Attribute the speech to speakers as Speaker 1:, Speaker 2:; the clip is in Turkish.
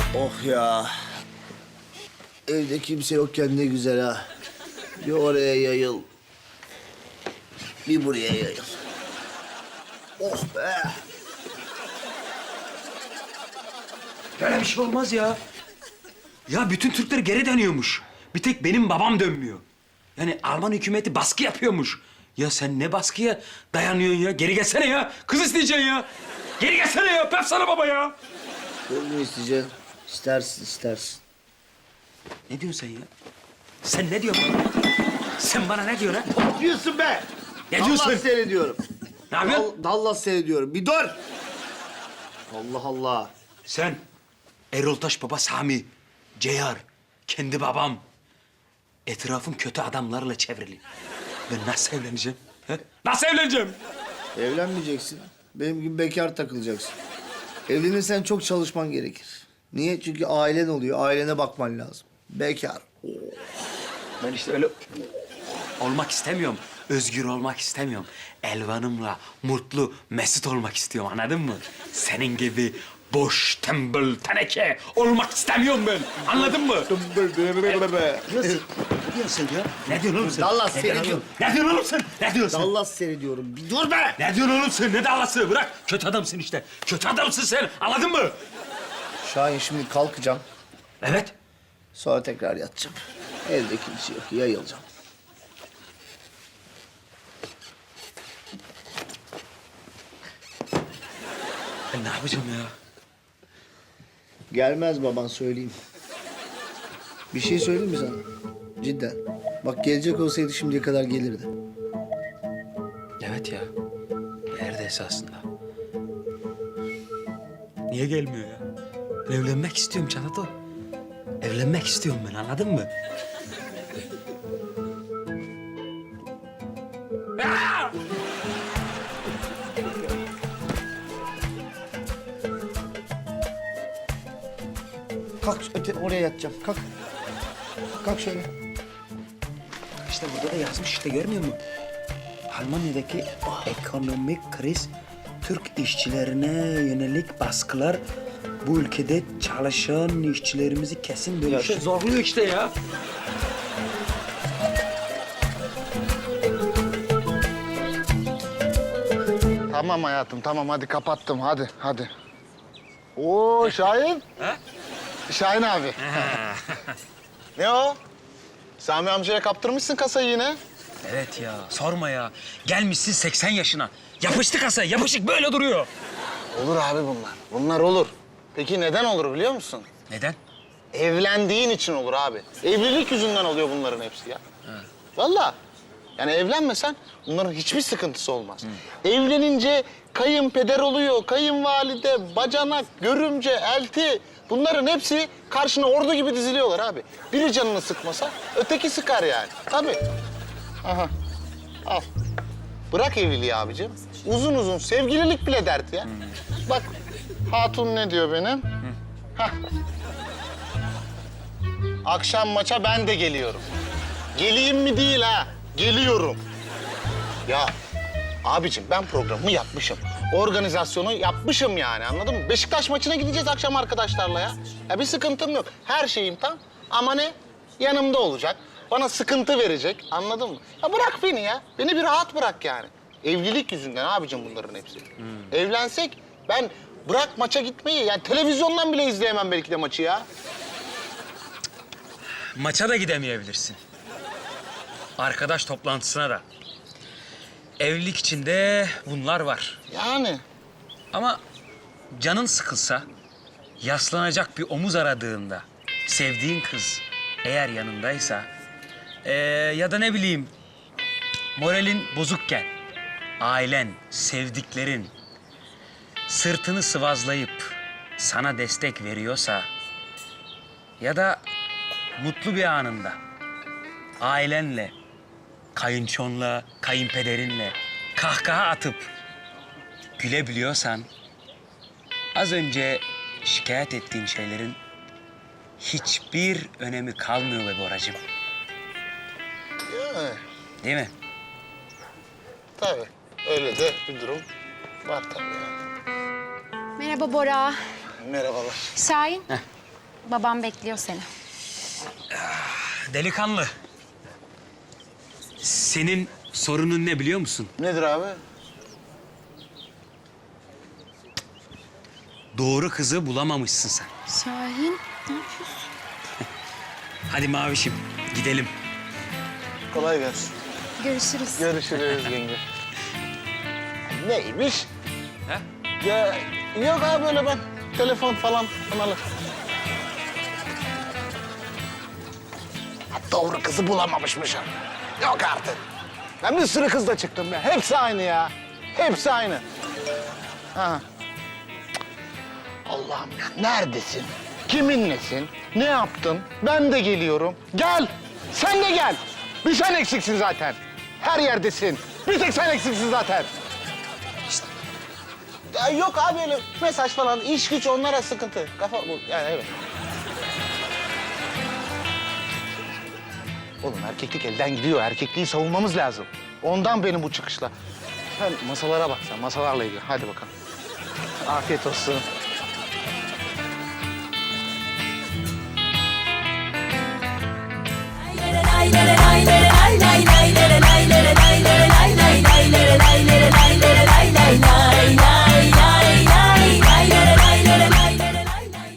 Speaker 1: Oh ya. Evde kimse yokken ne güzel ha. Bir oraya yayıl. Bir buraya yayıl. Oh be.
Speaker 2: Böyle bir şey olmaz ya. Ya bütün Türkler geri dönüyormuş. Bir tek benim babam dönmüyor. Yani Alman hükümeti baskı yapıyormuş. Ya sen ne baskıya dayanıyorsun ya? Geri gelsene ya. Kız isteyeceksin ya. Geri gelsene ya. Öpsene baba ya.
Speaker 1: Kız mı isteyeceksin? İstersin, istersin.
Speaker 2: Ne diyorsun sen ya? Sen ne diyorsun? Sen bana ne diyorsun ha?
Speaker 1: Ne yapıyorsun be?
Speaker 2: Ne diyorsun?
Speaker 1: Dallas seyrediyorum.
Speaker 2: Ne yapıyorsun?
Speaker 1: Dallas seyrediyorum. Bir dur. Allah Allah.
Speaker 2: Sen Erol Taş baba Sami, Ceyar, kendi babam. Etrafım kötü adamlarla çevrili. Ben nasıl evleneceğim? He? Nasıl evleneceğim?
Speaker 1: Evlenmeyeceksin. Benim gibi bekar takılacaksın. Evlenirsen çok çalışman gerekir. Niye? Çünkü ailen oluyor. Ailene bakman lazım. Bekar.
Speaker 2: Ben işte öyle olmak istemiyorum. Özgür olmak istemiyorum. Elvan'ımla mutlu, mesut olmak istiyorum. Anladın mı? Senin gibi boş, tembel, teneke olmak istemiyorum ben. Anladın mı? Ne diyorsun ya? Ne diyorsun oğlum sen?
Speaker 1: Dallas
Speaker 2: Ne diyorsun
Speaker 1: seyrediyorum.
Speaker 2: oğlum? Ne diyorsun oğlum sen? Ne diyorsun?
Speaker 1: Dallas seyrediyorum. Bir dur be!
Speaker 2: Ne diyorsun oğlum sen? Ne Dallas'ı? Bırak. Kötü adamsın işte. Kötü adamsın sen. Anladın mı?
Speaker 1: Şahin şimdi kalkacağım.
Speaker 2: Evet.
Speaker 1: Sonra tekrar yatacağım. Evde kimse yok. Yayılacağım.
Speaker 2: Ben ne yapacağım ya?
Speaker 1: Gelmez baban söyleyeyim. Bir şey söyleyeyim mi sana? Cidden. Bak gelecek olsaydı şimdiye kadar gelirdi.
Speaker 2: Evet ya. Nerede esasında? Niye gelmiyor ya? Ben evlenmek istiyorum Çatato. Evlenmek istiyorum ben, anladın mı? Aa!
Speaker 1: Kalk oraya yatacağım. Kalk. Kalk şöyle.
Speaker 2: İşte burada da yazmış işte, görmüyor musun? Almanya'daki ekonomik kriz, Türk işçilerine yönelik baskılar bu ülkede çalışan işçilerimizi kesin dönüşe zorluyor işte ya.
Speaker 3: Tamam hayatım, tamam. Hadi kapattım. Hadi. Oo Şahin.
Speaker 2: Ha?
Speaker 3: Şahin abi. Ne o? Sami amcaya kaptırmışsın kasayı yine.
Speaker 2: Evet ya, sorma ya. Gelmişsin 80 yaşına. Yapıştı kasaya, yapışık böyle duruyor.
Speaker 3: Olur abi bunlar. Bunlar olur. Peki neden olur biliyor musun?
Speaker 2: Neden?
Speaker 3: Evlendiğin için olur abi. Evlilik yüzünden oluyor bunların hepsi ya. Vallahi. Yani evlenmesen bunların hiçbir sıkıntısı olmaz. Evlenince kayınpeder oluyor, kayınvalide, bacanak, görümce, elti. Bunların hepsi karşına ordu gibi diziliyorlar abi. Biri canını sıkmasa öteki sıkar yani. Tabii. Aha. Al. Bırak evliliği abicim. Uzun uzun sevgililik bile dert ya. Bak hatun ne diyor benim? Hah. Akşam maça ben de geliyorum. Geleyim mi değil ha? Geliyorum. Ya abicim ben programımı yapmışım. Organizasyonu yapmışım yani, anladın mı? Beşiktaş maçına gideceğiz akşam arkadaşlarla ya. Ya bir sıkıntım yok. Her şeyim tam. Ama ne? Yanımda olacak. Bana sıkıntı verecek. Anladın mı? Ya bırak beni ya. Beni bir rahat bırak yani. Evlilik yüzünden abicim bunların hepsi. Evlensek ben bırak maça gitmeyi. Yani televizyondan bile izleyemem belki de maçı ya.
Speaker 2: Maça da gidemeyebilirsin. Arkadaş toplantısına da. Evlilik içinde bunlar var.
Speaker 3: Yani.
Speaker 2: Ama canın sıkılsa, yaslanacak bir omuz aradığında, sevdiğin kız eğer yanındaysa, ya da ne bileyim, moralin bozukken, ailen, sevdiklerin sırtını sıvazlayıp sana destek veriyorsa ya da mutlu bir anında ailenle, kayınçonla, kayınpederinle kahkaha atıp gülebiliyorsan, az önce şikayet ettiğin şeylerin hiçbir önemi kalmıyor be Boracığım.
Speaker 3: Yani.
Speaker 2: Değil mi?
Speaker 3: Tabii. Öyle de bir durum var tabii yani.
Speaker 4: Merhaba Bora.
Speaker 3: Merhabalar.
Speaker 4: Şahin. Babam bekliyor seni.
Speaker 2: Delikanlı. Senin sorunun ne biliyor musun?
Speaker 3: Nedir abi?
Speaker 2: Doğru kızı bulamamışsın sen.
Speaker 4: Şahin, ne yapıyorsun?
Speaker 2: Hadi Mavişim, gidelim.
Speaker 3: Kolay gelsin.
Speaker 4: Görüşürüz.
Speaker 3: Görüşürüz yenge. Neymiş?
Speaker 2: He?
Speaker 3: Ya yok abi öyle ben telefon falan alır. Doğru kızı bulamamışmışım. Yok artık. Ben bir sürü kızla çıktım be. Hepsi aynı ya. Hepsi aynı. Ha. Allah'ım ya neredesin? Kiminlesin? Ne yaptın? Ben de geliyorum. Gel. Sen de gel. Bir sen eksiksin zaten. Her yerdesin. Bir tek sen eksiksin zaten. Ya yok abi öyle mesaj falan, iş güç onlara sıkıntı. Kafa bu yani evet. Oğlum erkeklik elden gidiyor. Erkekliği savunmamız lazım. Ondan benim bu çıkışla. Sen masalara bak sen, masalarla ilgili. Hadi bakalım. Afiyet olsun.